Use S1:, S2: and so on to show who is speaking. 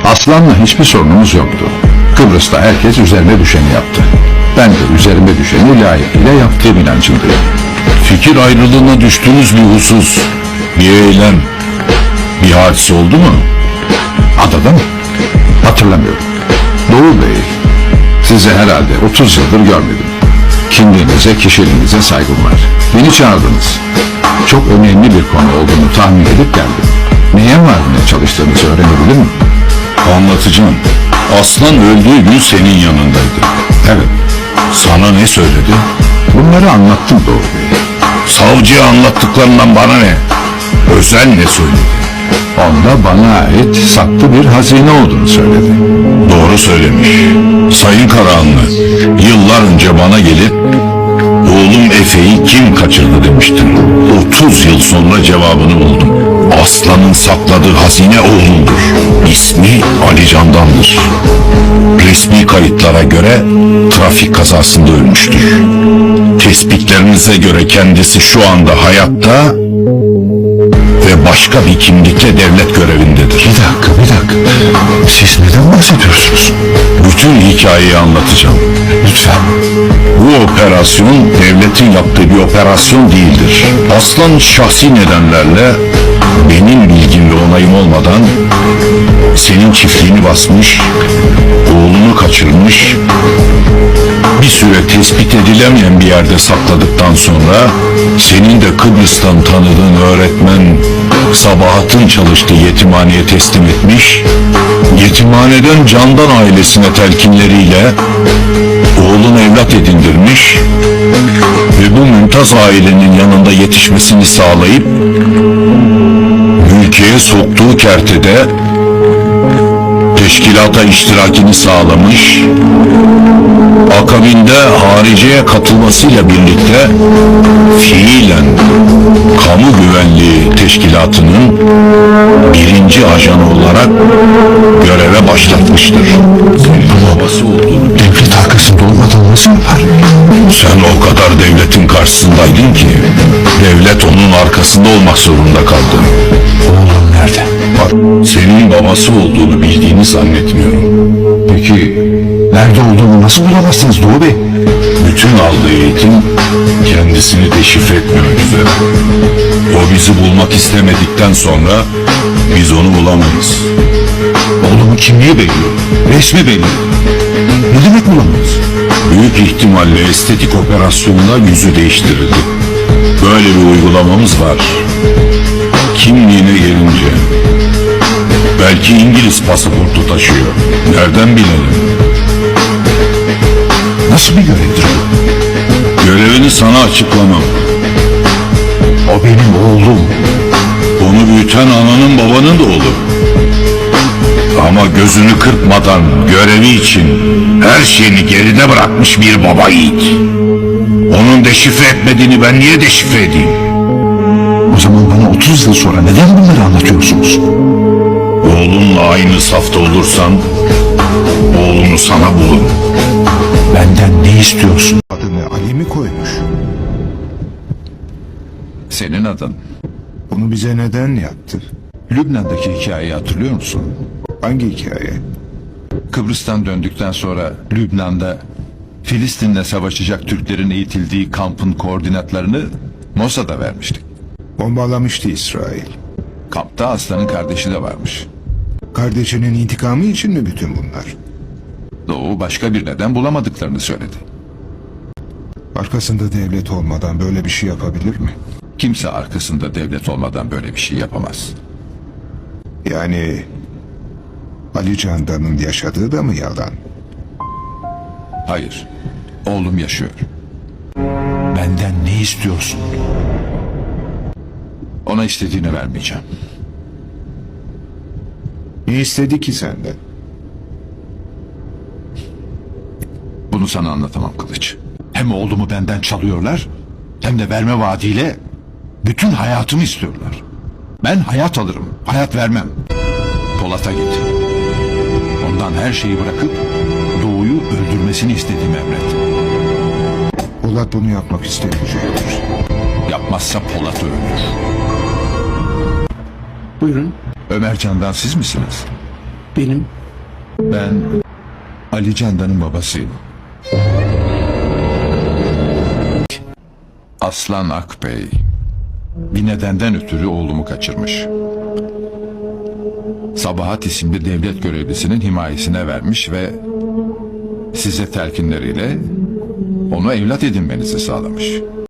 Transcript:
S1: Aslan'la hiçbir sorunumuz yoktu. Kıbrıs'ta herkes üzerine düşeni yaptı. Ben de üzerime düşeni layıkıyla yaptığım inancındayım.
S2: Fikir ayrılığına düştüğünüz bir husus, bir eylem, bir hadise oldu mu?
S1: Adada mı? Hatırlamıyorum. Doğu Bey, sizi herhalde 30 yıldır görmedim. Kimliğinize, kişiliğinize saygım var. Beni çağırdınız. Çok önemli bir konu olduğunu tahmin edip geldim. Neye varmaya çalıştığınızı öğrenebilir miyim?
S2: Anlatacağım. Aslan öldüğü gün senin yanındaydı.
S1: Evet.
S2: Sana ne söyledi?
S1: Bunları anlattım Doğu Bey.
S2: Savcıya anlattıklarından bana ne? Özel ne söyledi?
S1: Onda bana ait saklı bir hazine olduğunu söyledi.
S2: Doğru söylemiş. Sayın Karahanlı, yıllar önce bana gelip oğlum Efe'yi kim kaçırdı demiştin. 30 yıl sonra cevabını buldum. Aslanın sakladığı hazine oğlumdur. İsmi Ali Candan'dır. Resmi kayıtlara göre trafik kazasında ölmüştür. Tespitlerinize göre kendisi şu anda hayatta ve başka bir kimlikle devlet görevindedir.
S1: Bir dakika. Siz neden bahsediyorsunuz?
S2: Bütün hikayeyi anlatacağım.
S1: Lütfen.
S2: Bu operasyon devletin yaptığı bir operasyon değildir. Aslan şahsi nedenlerle benim bilgim ve onayım olmadan senin çiftliğini basmış, oğlunu kaçırmış, bir süre tespit edilemeyen bir yerde sakladıktan sonra senin de Kıbrıs'tan tanıdığın öğretmen Sabahat'ın çalıştığı yetimhaneye teslim etmiş, yetimhaneden Candan ailesine telkinleriyle oğlunu evlat edindirmiş ve bu mümtaz ailenin yanında yetişmesini sağlayıp ülkeye soktuğu kertede teşkilata iştirakini sağlamış, akabinde hariciye katılmasıyla birlikte fiilen kamu güvenliği teşkilatının birinci ajanı olarak göreve başlatmıştır. Senin babası olduğunu
S1: Devlet arkasında olmadan nasıl yapar?
S2: sen o kadar devletin karşısındaydın ki devlet onun arkasında olmak zorunda kaldı.
S1: Oğlum nerede?
S2: Senin babası olduğunu bildiğini zannetmiyorum.
S1: Peki nerede olduğunu nasıl bulamazsınız Doğu Bey?
S2: Bütün aldığı eğitim kendisini deşifre etmemek üzere. O bizi bulmak istemedikten sonra biz onu bulamayız.
S1: Oğlumun kimliği belli. Resmi belli. Ne demek bulamayız?
S2: Büyük ihtimalle estetik operasyonla yüzü değiştirildi. Böyle bir uygulamamız var. Kimliğine gelince belki İngiliz pasaportu taşıyor. Nereden bilelim?
S1: Nasıl bir görevdir bu?
S2: Görevini sana açıklamam.
S1: O benim oğlum.
S2: Onu büyüten ananın babanın da oğlu. Ama gözünü kırpmadan görevi için her şeyini geride bırakmış bir baba yiğit. Onun deşifre etmediğini ben niye deşifre edeyim?
S1: O zaman bana 30 yıl sonra neden bunları anlatıyorsunuz?
S2: Oğlunla aynı safta olursan oğlunu sana bulun.
S1: Benden ne istiyorsun?
S3: Adını Ali mi koymuş?
S1: Senin adın.
S3: Bunu bize neden yaptı?
S1: Lübnan'daki hikayeyi hatırlıyor musun?
S3: Hangi hikaye?
S1: Kıbrıs'tan döndükten sonra Lübnan'da Filistin'le savaşacak Türklerin eğitildiği kampın koordinatlarını Mossad'a vermiştik.
S3: Bombalamıştı İsrail.
S1: Kampta Aslan'ın kardeşi de varmış.
S3: Kardeşinin intikamı için mi bütün bunlar?
S1: Doğu başka bir neden bulamadıklarını söyledi.
S3: Arkasında devlet olmadan böyle bir şey yapabilir mi?
S1: Kimse arkasında devlet olmadan böyle bir şey yapamaz.
S3: Yani Ali Candan'ın yaşadığı da mı yalan?
S1: Hayır, oğlum yaşıyor. Benden ne istiyorsun? Ona istediğini vermeyeceğim.
S3: Ne istedi ki senden?
S1: Bunu sana anlatamam Kılıç. Hem oğlumu benden çalıyorlar, hem de verme vaadiyle bütün hayatımı istiyorlar. Ben hayat alırım, hayat vermem. Polat'a git. Ondan her şeyi bırakıp Doğu'yu öldürmesini istediğimi emret.
S3: Polat bunu yapmak istemeyecektir.
S1: Yapmazsa Polat öldür.
S4: Buyurun.
S1: Ömer Candan siz misiniz?
S4: Benim
S1: Ben Ali Candan'ın babasıyım. Aslan Akbey bir nedenden ötürü oğlumu kaçırmış. Sabahat isimli devlet görevlisinin himayesine vermiş ve size telkinleriyle onu evlat edinmenizi sağlamış.